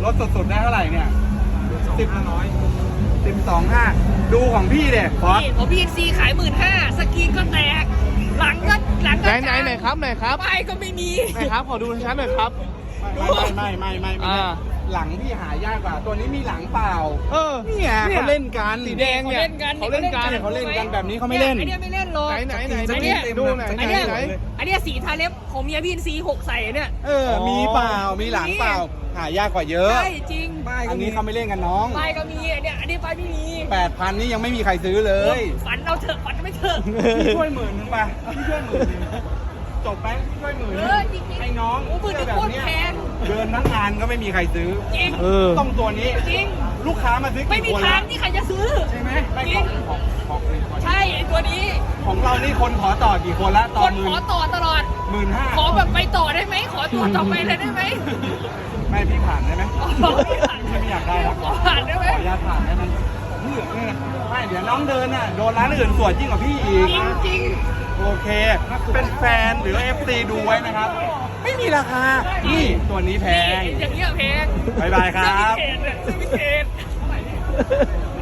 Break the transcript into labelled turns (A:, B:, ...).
A: ลดสุดๆได้เท่าไหร่เนี่ย12,500ดูของพี่เด็ฟอส
B: นี่ผมพีเอ็นซีขาย15,000สกรีนก็แตกหลังก็
C: ไหนครับ
B: ป้ายก็ไม่มี
C: ไหนครับขอดูชัดๆหน่อยครับ
A: ไม่หลังพี่หายากกว่าตัวนี้มีหลังเปล่า นี่ไงเขาเล่นกัน
C: สีแดงเนี่ย
A: เขาเล่นกันแบบนี้เขาไม่เล่น
B: ไอเนี้ยไม่เล่นหรอก
C: ไหน
A: ดูหน่อย
B: ไอเนี้ยอันเนี้ยสีทาเล็บของเมียพี่อินซี6ใส่เนี่ย
A: มีเปล่ามีหลังเปล่าหายากกว่าเยอะ
B: ใช่จริง
A: อันนี้เขาไม่เล่นกันน้อง
B: ป้ายก็มีเนี่ยอันนี้ป้ายไม่มี
A: 8,000นี่ยังไม่มีใครซื้อเลย
B: ฝันเอาเถอะฝันไม่เถอะ
A: พี่ช่วย10,000ไปพี่ช่วย10,000จบไหมพี่ช่วย10,000
B: จริงๆ
A: ให้น้อง
B: โอ้มือนี่โคตรแพง
A: เดินทั้งงานก็ไม่มีใครซื้อ
B: จริง
A: ต้องตัวนี้
B: จริง
A: ลูกค้ามาซื้อ
B: ไม่
A: กี่
B: มี
A: คน
B: ทา
A: แล้
B: ง
A: ว
B: ที่ใครจะซื้อ
A: ใช่ไหมไม่
B: จริง
A: ของ
B: ใช่ไอตัวนี้
A: ของเรานี่คนขอต่อกี่คนละ
B: ค
A: ต่อน
B: ขอต่อตลอด
A: 15,000
B: ขอแบบไปต่อได้ไหมขอตัวต่อไปเลยได้ไหม
A: ไม่พี่ผ่านได้ไหม
B: ไม่
A: ไม่อยากได้นะ
B: ขอผ่านได้ไหม
A: ขออนุญาตผ่านได้ไหมไม่เดี๋ยวน้องเดินน่ะโดนร้านอื่นสวยยิ่งกว่าพี่อีก
B: จริงจริง
A: โอเค เป็นแฟนหรือ FC ดูไว้นะครับ ไม่มีราคา นี่ตัวนี้แพง
B: อย่างเงี้ยแพง
A: บ๊ายบายครับ
B: ซื้อพิเศษเนี่ยซื้อพิเศษ